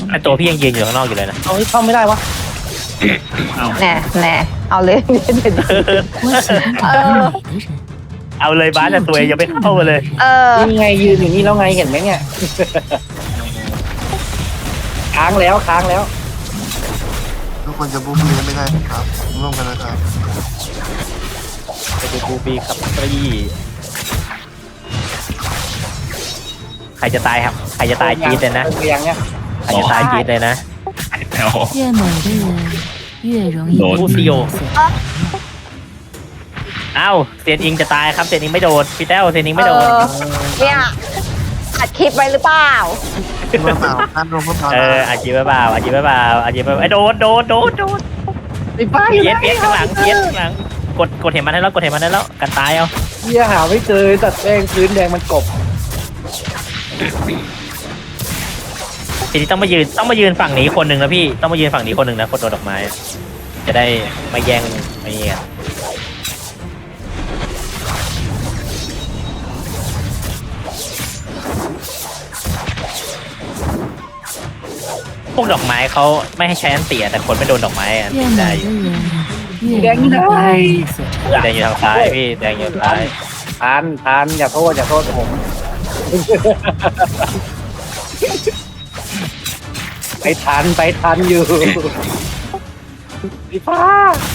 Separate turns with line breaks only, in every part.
ไอตัวพี่ยังยืนอยู่ข้างนอกอยู่เลยนะ
เอาให้เข้าไม่ได้วะ
แน่เอาเลย
เอาเลยบ้านแต่ตัวเองยังไม่เข้ามาเลย
นี่ไงยืนอย่างนี้แล้วไงเห็นไหมเนี่ยค้างแล้ว
ทุกคนจะบูบีไม่ได้ครับร่วมกันนะครับ
ไปดูบูบีครับพี่ใครจะตายครับใครจะตายจี๊ดเลยนะ
เรียงเนี่ย
ใครจะตายจี๊ดเลยนะ
แล้ว
越美的人越容易
พูดซิโอ
被色。
เอ้าเซียนอิงจะตายครับเซียนอิงไม่โดนพี่แต้วเซียนอิงไม่โดน
เนี่ยอัดคลิปไว้หรือเปล่า
เมื่อเปล่าท่านรวมเมื่อเปล่า
อาจีบเปล่าอาจีบเปล่าอาจีบไอ้โดน
ไอ้ป้าอยู่
เพี้ยน
ไหน
เพี้ยนข้างหลังเพี้ยนข้างหลังกดเห็นมันได้แล้วกดเห็นมันได้แล้วกันตายเอา
เฮียหาไม่เจอตัดแดงพื้นแดงมันกบ
ทีนี้ต้องมายืนฝั่งนี้คนหนึ่งนะพี่ต้องมายืนฝั่งนี้คนหนึ่งนะคนโดนดอกไม้จะได้ไม่แย่งไม่เงี้ยพวกดอกไม้เขาไม่ให้ใช้อันเตียแต่คนไม่โดนดอกไม้อัน
越
ได้
美
อยู่
的人越容易被色。
แดงอยู่ทางซ้ายพี่แดงอยู่ทางซ้าย
ทานอย่าโทษผมไปทันอยู่ไอ้ป้า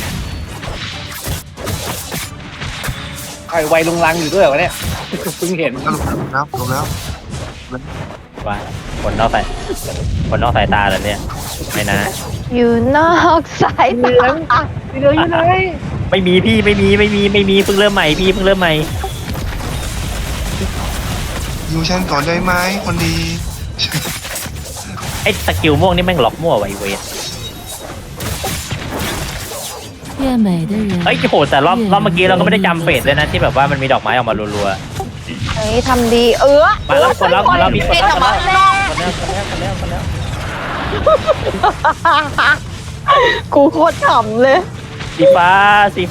ไอ้ไวลงลังอยู่ด้วยวะเนี่ยเพิ่งเห็น
แล้วรวมแล้ว
ว่าคนนอกสายตาแล้วเนี่ยไม่นะ
อยู่นอกสายตา
ไปเลยอยู่ไหน
ไม่มีพี่ไม่มีเพิ่งเริ่มใหม่พี่เพิ่งเริ่มใหม่
ยูฉันก่อนได้ไหมคนดี
ไอ้สกิลม่วงนี่แม่งล็อกมั่วไวเวท
越美的人
เอ้ยโหแต่รอบเมื่อกี้เราก็ไม่ได้จำเฟสเลยนะที่แบบว่ามันมีดอกไม้ออกมารัว
เฮ้ยทำดี
ๆมาแล้วคนแล้วมีคน
เอ็
แล้ว
ออกมาแล้ว กูโคตรขำเลย
สีฟ้า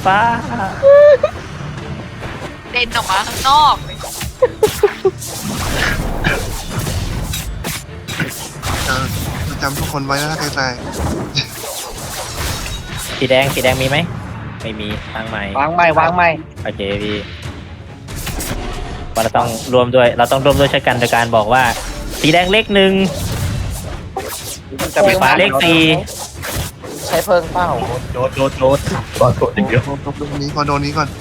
เด่นออกมาข้างนอกเลย
จำทุกคนไว้นะใครตาย
สีแดงมีไหมไม่มีทางใหม่
วางไม่
โอเคพี่ว่าเราต้องรวมด้วยช่วยกันโดยการบอกว่าสีแดงเลขหนึ่งสีฟ้าเลขสี่
ใช้เพิงเป้า
โดดอย่างเดียว
โดนนี้ก่อนโดนนี้ก่อน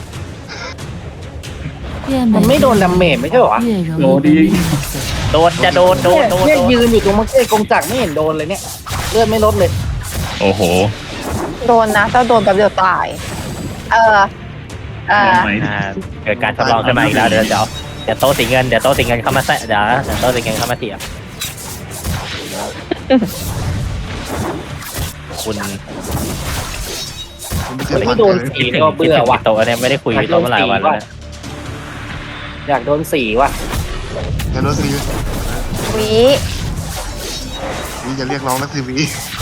越
มัน
美
ไม่โดน
的
ดาเมจไม่ใช่เหรอ
人越容易被吝啬。
โดนจะโดน
เนี่ยยืนอยู่ตรงมังเก้กงจักรไม่เห็นโดนเลยเนี่ยเลือดไม่ลดเลย
โอ้โห
โดนนะถ้าโดนแป๊บเดียวตาย
ลองไหม
เกิดการทดลองขึ้นมาอีกแล้วเดี๋ยวโต๊ะสีเงินเข้ามาแซะเดี๋ยวโต๊ะสีเงินเข้ามาเถียงคุณ
ผมไม่เจอ
ไม่โดนสีก็เบื่อว่ะ
โต๊ะเนี่ยไม่ได้คุยโต๊ะมาหลายวันแล้วนะ
อยากโดนสีว่ะ
อย่าโดนซี
วิ
นี่จะเรียกร้องนักทีวี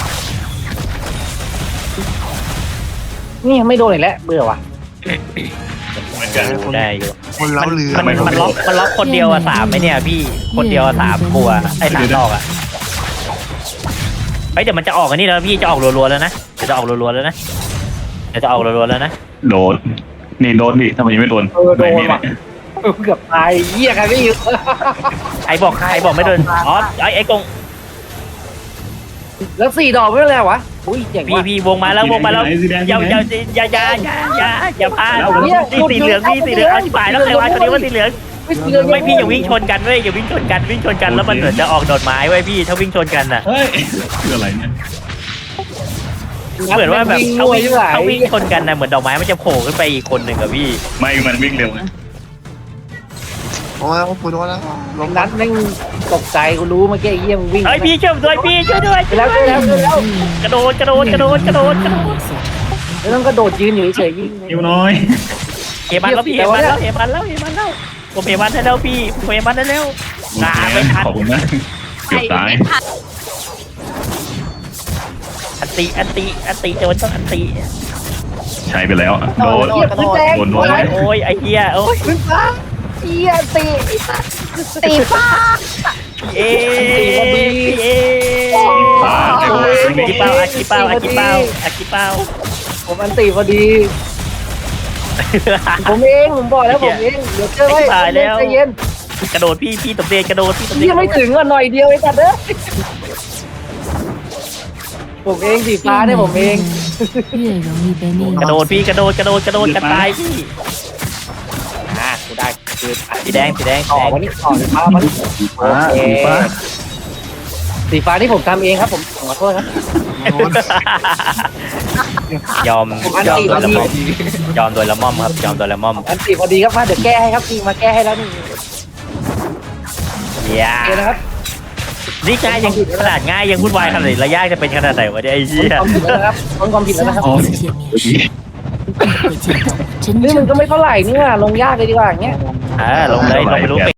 นี่ไม่โดนอีกแล้วเบื่อว่ะ
เหมือนกัน
ได้อยู่
คนเล้าเรือ
มันล็อกคนเดียวอะ3ไหมเนี่ยพี่คนเดียวอะ3ตัวไอ้3ดอกอะเฮ้ยเดี๋ยวมันจะออกอันนี้แล้วพี่จะออกรัวๆแล้วนะเดี๋ยวจะออกรัวๆแล้วนะ
โดนนี่โดนดิทำไมยังไม่โดน
โดนว่ะเกือบตายเหี้ยใครไม่อยู่
ใครบอกไม่โดนอ๋อไอ้กง
แล้ว4 ดอกไม่เป็นไรวะอุ้ยเจ๋งว่ะ
พี่วงมาแล้วอย่าพลาดสีเหลืองอธิบายแล้วใครว่าคนนี้ว่าสีเหลืองไม่พี่อย่าวิ่งชนกันเว้ยอย่าวิ่งชนกันแล้วมันเหมือนจะออกดอกไม้ไว้พี่ถ้าวิ่งชนกันอะ
เฮ้ยคืออะไรเนี่ย
เหมือนว่าแบบถ้าวิ่งชนกันนะเหมือนดอกไม้มันจะโผล่ขึ้นไปอีกคนหนึ่งอะพี่
ไม่มันวิ่งเร็วไง
โอ้ยกูโดนแล้วลง
นัดแม่งตกใจกูรู้เมื่อกี้ไอ้เหี้ยมึงวิ่ง
เฮ้ยพี่ช่วยด้วย
แล้ว
กระโดด
越容易被色。
แล้วต้องกระโดดยืนอยู่เฉยๆยิง
นิ้วน้อย
เฮมันแล้วพี่เฮมันแล้วผมเฮมันได้แล้วพี่ผมเฮมันได้แล้วไม่ทัน
ขอบคุณนะเกือบตาย
ไม่ทัน
อันติโดนต้องอันติ
ใช้ไปแล้วโดน
โดน
โดน
โอ้ยไอ้เหี้ยโอ้ย
ขึ้นฟ้าเหี้ยตี
ตีฟ้า
เอ
ผม
กี่
เอ
เป้าง อากิเป้าอากิเป้าอากิเป้า
ผมอันตีพอดี ผมเองผมบอกแล้วผมเองเดี๋ยวเจอไว้
ตายแล้ว
ใจเย็น
กระโดดพี่ตบเดนกระโดดพี่ตบเดน
ยังไม่ถึงอ่ะหน่อยเดียวไอ้สัตว์เด้อผมเองสีฟ้าเนี่ยผมเอง
越容易被命
กระโดด
运
พี่กระโดดกันตายพี่กูได้คือสีแดง
ต่อวันนี้ต่อสีฟ้ามัน
สีฟ้า
โอเค
สีฟ้า
สีฟ้าที่ผมทำเองครับผมขอโทษครับ
โดน
ยอม
ผมอัน
ยอม
ตี
โด
พอย
ละ
ดี
ม่อมยอมโดยละม่อมครับยอมโดยละม่อม
อันตีพอดีครับมาเดี๋ยวแก้ให้ครับพี่มาแก้ให้แล้วนี่
อย่า
โอเคนะครับ
นี่ง่ายยังขนาดง่ายยังวุ่นวายขนาดไหนระยะจะเป็นขนาดไหนวะเนี่ยไอ้เหี้ย
ความผิดแล้วนะครับความผิดแล้วนะครับ
下次见面时，你会见到我真
นี่มัน
正
ก็
的
ไม่เท่าไหร่นี่ว่าลงยากเลยดีกว่าอย่างเงี้ย
ลงเลยลงไปรู้